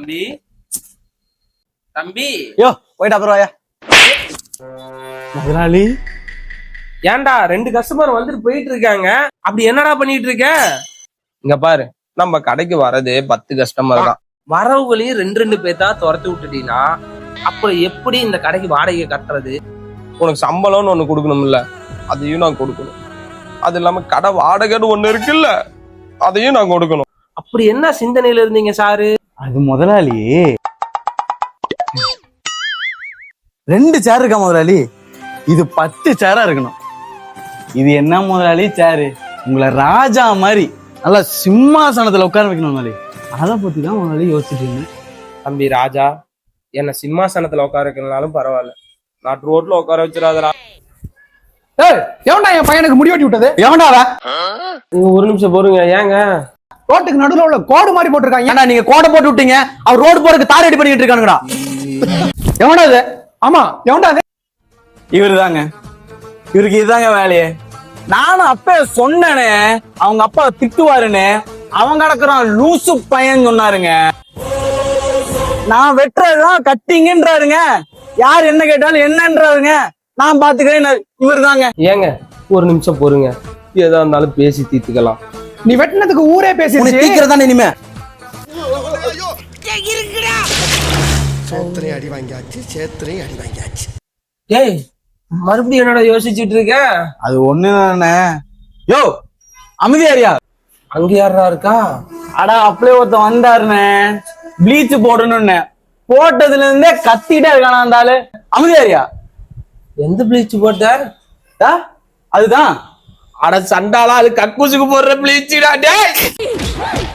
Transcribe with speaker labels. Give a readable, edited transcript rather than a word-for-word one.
Speaker 1: தம்பி தம்பி
Speaker 2: யோ போயிட்டு அப்புறம் வாயா முதலாளி.
Speaker 1: ஏன்டா 2 கஸ்டமர் வந்துட்டு போயிட்டு இருக்காங்க, அப்படி என்னடா பண்ணிட்டு இருக்க? இங்க பாரு, நம்ம கடைக்கு வரது 10 கஸ்டமர் தான். வரவுகளையும் 2 பேர்த்தா துரத்து விட்டுட்டீங்கன்னா அப்புறம் எப்படி இந்த கடைக்கு வாடகை கட்டுறது? உனக்கு சம்பளம்னு ஒண்ணு கொடுக்கணும்ல, அதையும் நான் கொடுக்கணும். அது இல்லாம கடை வாடகைன்னு ஒண்ணு இருக்குல்ல, அதையும் நான் கொடுக்கணும். அப்படி என்ன சிந்தனையில இருந்தீங்க சாரு?
Speaker 2: அது முதலாளி 2 சேர் இருக்கா முதலாளி, இது 10 சேரா இருக்கணும். இது என்ன முதலாளி சேரு, உங்களை ராஜா மாதிரி நல்லா சிம்மாசனத்துல உட்கார வைக்கணும் முதலாளி. அதை பத்தி தான் முதலாளி யோசிச்சுட்டு இருந்தேன்.
Speaker 1: தம்பி ராஜா, என்ன சிம்மாசனத்துல உட்கார வைக்கணும்னாலும் பரவாயில்ல, நான் ரோட்ல உட்கார வச்சிடாதடா.
Speaker 3: எவன்டா என் பையனுக்கு முடி வெட்டி விட்டது?
Speaker 2: எவன்டாவா?
Speaker 1: ஒரு நிமிஷம் போறீங்க. ஏங்க
Speaker 3: ரோட்டுக்கு நடுவுல உள்ள கோடு மாதிரி போட்டிருக்காங்க.
Speaker 2: ஏன்னா நீங்க கோடை போட்டு விட்டீங்க, அவர் ரோடு போறதுக்கு தார் ரெடி பண்ணிட்டு இருக்கானுங்கடா.
Speaker 3: எவன்டா அது? ஆமா எவன்டா அது?
Speaker 2: இவரு தாங்க, இவருக்கு இதுதாங்க வேலையே. நானும் அப்ப சொன்னேனே அவங்க அப்பா திட்டுவாருன்னு, அவங்க கிடக்குறான் லூசு பையன் சொன்னாருங்க. நான் வெட்டுறதுதான் கட்டிங்கன்றாருங்க, யார் என்ன கேட்டாலும் என்னன்றாருங்க, நான் பாத்துக்கிறேன். இவரு தாங்க.
Speaker 1: ஏங்க ஒரு நிமிஷம் போருங்க, ஏதா இருந்தாலும் பேசி தீர்த்துக்கலாம்.
Speaker 3: நீ வெட்டினதுக்கு ஊரே பேசிடுச்சு.
Speaker 2: தீக்கிறதா இனிமே.
Speaker 4: சோத்திரையும் அடி வாங்கியாச்சு, சேத்திரையும் அடி வாங்கியாச்சு.
Speaker 1: ஏய் மறுபடியும் என்னடா யோசிச்சுட்டு இருக்க?
Speaker 2: அது ஒண்ணுதானே. யோ அமைதியாரியா,
Speaker 1: அங்க யாரா இருக்கா?
Speaker 2: அடா அப்படியே ஒருத்தன் வந்தாருன்னு ப்ளீச் போடணும்னு, போட்டதுல இருந்தே கத்திட்டே இருக்கானா அந்த ஆளு. அமைதியாரியா.
Speaker 1: எந்த ப்ளீச் போட்ட?
Speaker 2: அதுதான்.
Speaker 1: அட சண்டாளா, அது கக்கூசுக்கு போடுற ப்ளீச்சுடா. டேய்